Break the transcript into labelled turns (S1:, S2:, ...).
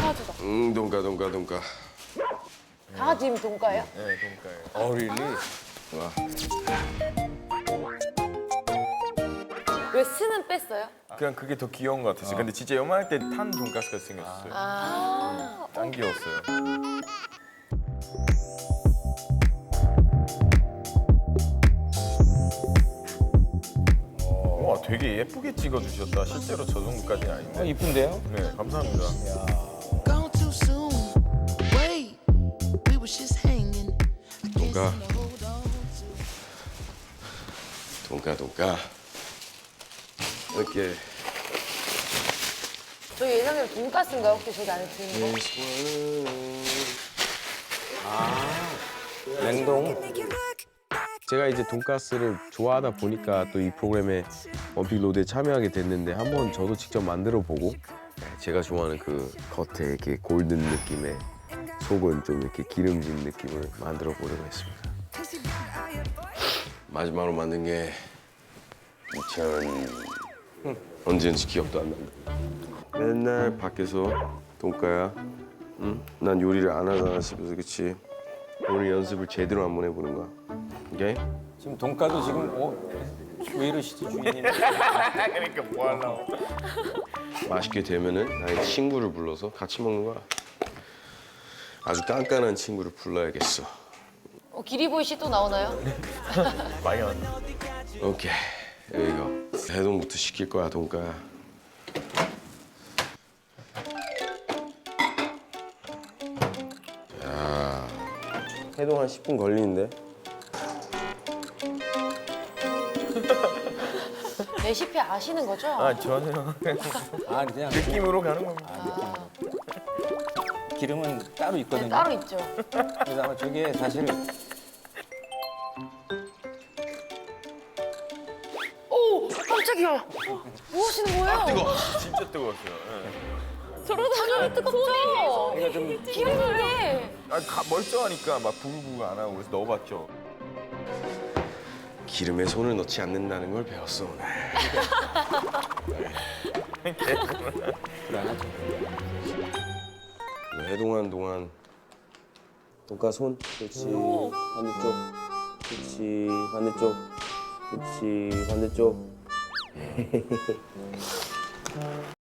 S1: 강아지다.
S2: 돈가.
S1: 강아지 이름 돈가예요?
S3: 네, 돈가예요. really?
S2: 와.
S1: 왜 스는 뺐어요?
S3: 그냥 그게 더 귀여운 것 같았어요. 근데 진짜 요만할 때 탄 돈가스가 생겼어요. 짱 귀여웠어요. 와, 되게 예쁘게 찍어주셨다. 실제로 저 정도까지는 아닌데.
S4: 이쁜데요?
S3: 네, 감사합니다.
S5: Gone too soon. Wait, we was just hanging.
S2: 돈가. 돈가. 이렇게.
S1: 저희 예상대로 돈가스인가요? 혹시 저기 안에 드는 거?
S4: 냉동.
S2: 제가 이제 돈가스를 좋아하다 보니까 또 이 프로그램에 원픽 로드에 참여하게 됐는데 한번 저도 직접 만들어 보고 제가 좋아하는 그 겉에 이렇게 골든 느낌의 속은 좀 이렇게 기름진 느낌을 만들어 보려고 했습니다. 마지막으로 만든 게 2000... 언제인지 기억도 안 난다. 맨날 밖에서 돈가야, 응? 난 요리를 안 하잖아 집에서, 그치? 오늘 연습을 제대로 한번 해보는 거야. 오케이?
S4: 지금 돈가도 지금 왜 이러시지 주인님?
S3: 그러니까 뭐 하려고.
S2: 맛있게 되면은 나의 친구를 불러서 같이 먹는 거야. 아주 깐깐한 친구를 불러야겠어.
S1: 기리보이 씨 또 나오나요?
S3: 많이 왔네.
S2: 오케이, 여기가 해동부터 시킬 거야, 돈가야. 자, 해동 한 10분 걸리는데.
S1: 레시피 아시는 거죠?
S3: 아, 전혀.
S4: 아 그냥
S3: 느낌으로 가는 겁니다.
S4: 기름은 따로
S1: 네,
S4: 있거든요.
S1: 따로 있죠.
S4: 그래서 아마 저게 사실
S1: 오! 깜짝이야! 뭐 하시는 거예요?
S2: 뜨거.
S3: 진짜 뜨거웠어요. 네.
S1: 당연히 뜨겁죠?
S4: 내가 좀
S1: 기름인데.
S3: 멀쩡하니까 막 부글부글 안 하고 그래서 넣어봤죠.
S2: 기름에 손을 넣지 않는다는 걸 배웠어, 오늘.
S4: 불안하죠.
S2: 해동하는 동안 돈가 손, 그렇지. 반대쪽, 그렇지. 반대쪽, 그렇지. 반대쪽.